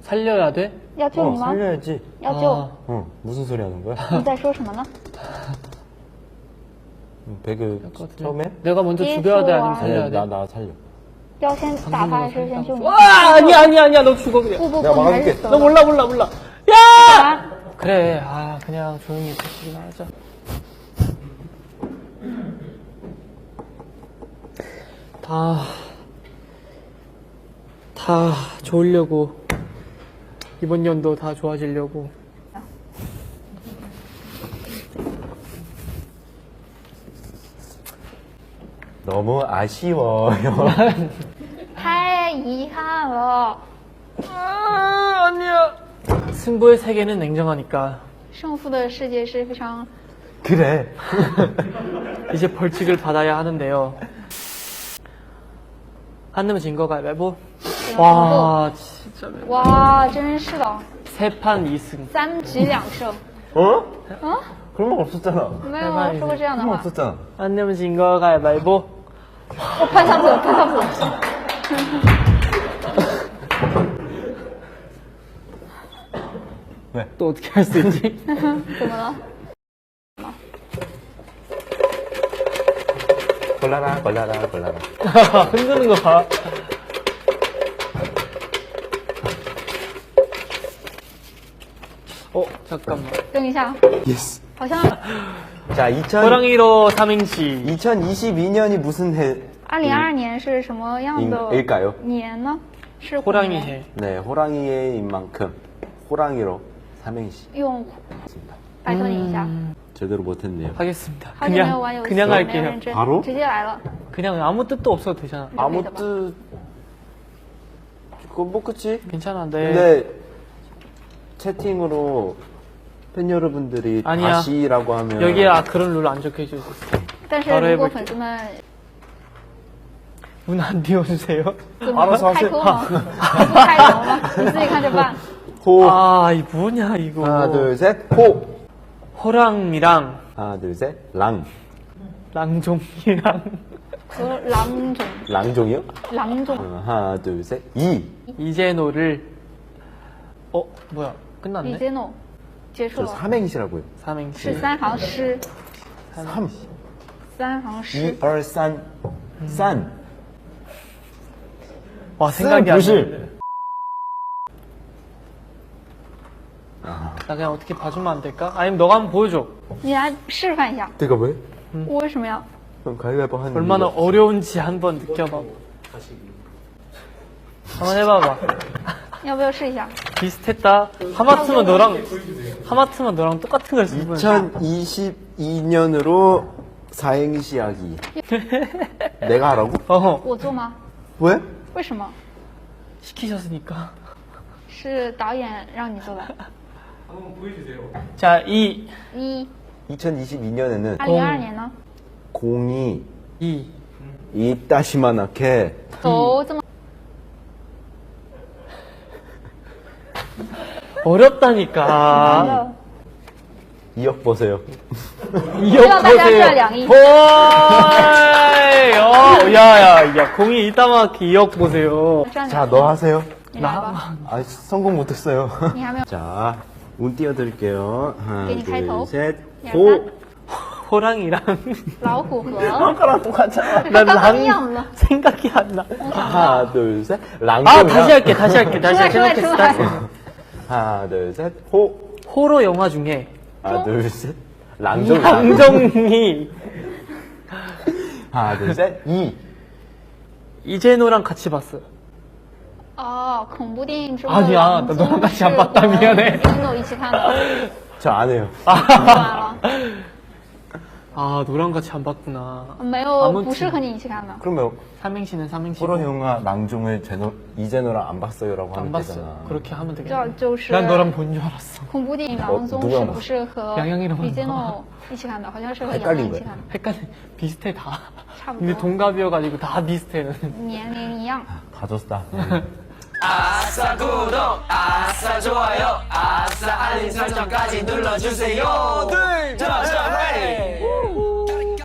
살려야 돼? 要救你吗？ 살려야지. 要救。 어, 무슨 소리 하는 거야? 你在说什么呢？ 배그 처음에? 내가 먼저 죽여야 돼 아니면 살려야 아니, 돼? 나 살려. 要先打他还是先救你？ 와 아니야 너 죽어 그냥. 不不 내가 不，你还是 막아줄게. 走 너 吧。 몰라. 야! 啊 그래 그냥 조용히 있으기나 하자. 다 좋으려고 이번 연도 다 좋아지려고. 너무 아쉬워요. 太遗憾了， 아니야. 승부의 세계는 냉정하니까 胜负的世界是非常 그래. 이제 벌칙을 받아야 하는데요. 안 내면 진 거 가위바위보. 와 진짜 哇，真是的， 3판 2승. 3局2胜。 어? 啊， 그런 말 없었잖아. 没有说过这样的 그런 말 话。 없었잖아. 안 내면 진 거 가위바위보. 我潘桑普，潘桑普。 왜? 또 어떻게 할 수 있지? 怎么了？ 골라라. 흔드는 거 봐. 잠깐만. 等一下， 예스. 好像 자, 호랑이로 삼행시. 2022년이 무슨 해? 2022年是什么样的 일까요? 年呢？是虎 호랑이 年 해. 네, 호랑이인 만큼 호랑이로 삼행시. 用拜托你一下， 제대로 못했네요. 하겠습니다. 好久没有玩游戏， 그냥 没有 할게요. 认真， 바로 直接来了。 그냥 아무 뜻도 없어도 되잖아. 아무 뜻 그건 뭐 그치? 괜찮아. 네. 근데 채팅으로 팬 여러분들이 아니야. 다시라고 하면 여기에 그런 룰 안 적혀 있어요. 但是 바로 如果 해볼게. 粉丝们 문 안 띄워주세요. 怎么 알아서 开 하세요. 口吗？不开口吗？你自己看着办。 호 이 뭐냐 이거. 하나 둘셋호 호랑이랑 하나 둘셋랑 랑종이랑 和郎中， 랑종이요? 郎中 하나 둘셋이 이제노를 뭐야 李 끝났네. 杰诺结束 저 了， 삼행시라고요. 是 삼행시. 3行诗， 3 3行诗。 2, 3 와 생각이 안 부실. 나네. 나 그냥 어떻게 봐주면 안 될까? 아니면 너가 한번 보여줘. 你来示范一下， 내가 왜? 我为什么要？ 그럼 가위바위보 하는 얼마나 이유가 어려운지 한번 느껴봐. 한번 해봐봐. 要不要试一下？ 비슷했다. 하마터면 너랑 똑같은 걸 쓰고. 2022년으로 사행시 하기. 내가 하라고? 我做吗？ 왜? 为什么？ 시키셨으니까. 是导演让你做的。 자, 2, 2022년에는 2022年呢？ 공이 2. 이따시만하게 走这么 어렵다니까. 了， 2억 보세요. 2억 다시 보세요. 하자, 양이. 호이! 야, 공이 이따만하게 2억 보세요. 这样 자, 너 하세요. 你来吧， 아, 성공 못했어요. 你还没有。 자, 운 띄워드릴게요. 하나, 괜히 칼头. 둘, 셋, 야, 호. 호랑이랑 老虎和 아까랑 똑같잖아. 난 랑 랑 생각이 안 나. 하나, 둘, 셋, 랑. 다시 할게. 생각했어. 다시. 하나, 둘, 셋, 호. 호러 영화 중에 하나, 둘, 셋, 랑종. 양정이 하나, 둘, 셋, 이. 이제노랑 같이 봤어. 哦，恐怖电影中 아니야 的 나너랑같이안봤다미안해 跟我一起看的， 저 안 해요. 看完了， 너랑 같이 안 봤구나. 没有， 아무튼 不是和你一起看的。 그러면 삼행시는 삼행시. 호러 영화 랑종을 이제노랑 안 봤어요라고 안 하면 봤어. 되잖아. 그렇게 하면 这 되겠네. 就是 난 너랑 본 줄 알았어. 恐怖电影《郎中》 누가 是不是和 양양이랑 李杰 봤나? 诺一起看的？好像是和杨 헷갈린 洋一 거야 起看的， 헷갈려. 비슷해 다. 差不 근데 多， 동갑이어가지고 다 비슷해. 年龄一样。 다 줬다. 아싸 구독 아싸 좋아요 아싸 알림 설정까지 눌러주세요 둘, 셋, 넷